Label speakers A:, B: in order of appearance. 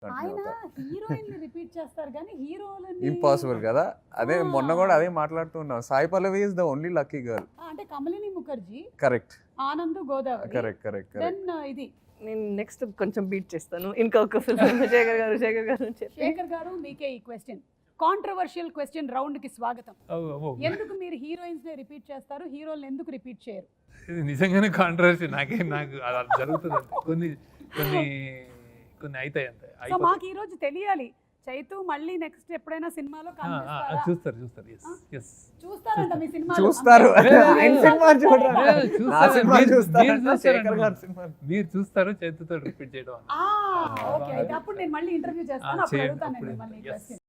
A: ఆయన heroine repeat చేస్తారు కానీ హీరోలని
B: ఇంపాసిబుల్ కదా. అదే మొన్న కూడా అదే మాట్లాడుతున్నాం. Sai Pallavi is the only lucky girl.
A: అంటే Kamalini Mukherjee,
B: correct,
A: Anand Godavari,
B: correct correct
A: then
B: correct.
A: ఇది
C: నేను నెక్స్ట్ కొంచెం బీట్ చేస్తాను. ఇంకా ఒక ఫిల్మ్ శేఖర్ గారు అని చెప్పి
A: శేఖర్ గారు, మీకే ఈ క్వశ్చన్. కాంట్రవర్షియల్ క్వశ్చన్ రౌండ్ కి స్వాగతం. ఎందుకు మీరు హీరోయిన్స్ ని రిపీట్ చేస్తారు, హీరోలను ఎందుకు రిపీట్ చేయరు?
D: ఇది నిజంగానే కాంట్రవర్సీ. నాకు అలా జరుగుతుంది అంతే. కొన్ని కొన్ని కొన్ని అవుతాయి అంతే.
A: సో మాకు ఈ రోజు తెలియాలి, చైతు మళ్ళీ నెక్స్ట్ ఎప్పుడైనా సినిమాలో కనిపిస్తారా?
D: చూస్తారు. ఎస్
A: చూస్తారంట మీ సినిమా
B: చూస్తారు. ఆయన సినిమా చూడరా?
D: చూస్తారు.
B: నా సినిమా
D: మీరు
B: చూస్తారంట,
D: చూస్తారు.
B: శేఖర్ గారి సినిమా.
D: మీరు చూస్తారు చేతితో రిపీట్ చేయడం.
A: ఓకే, అయితే అప్పుడు నేను మళ్ళీ ఇంటర్వ్యూ చేస్తాను, అప్పుడు
D: చేయండి,
A: అడుగుతాను
D: అప్పుడు
A: నేను మళ్ళీ
D: yes.
A: క్వశ్చన్.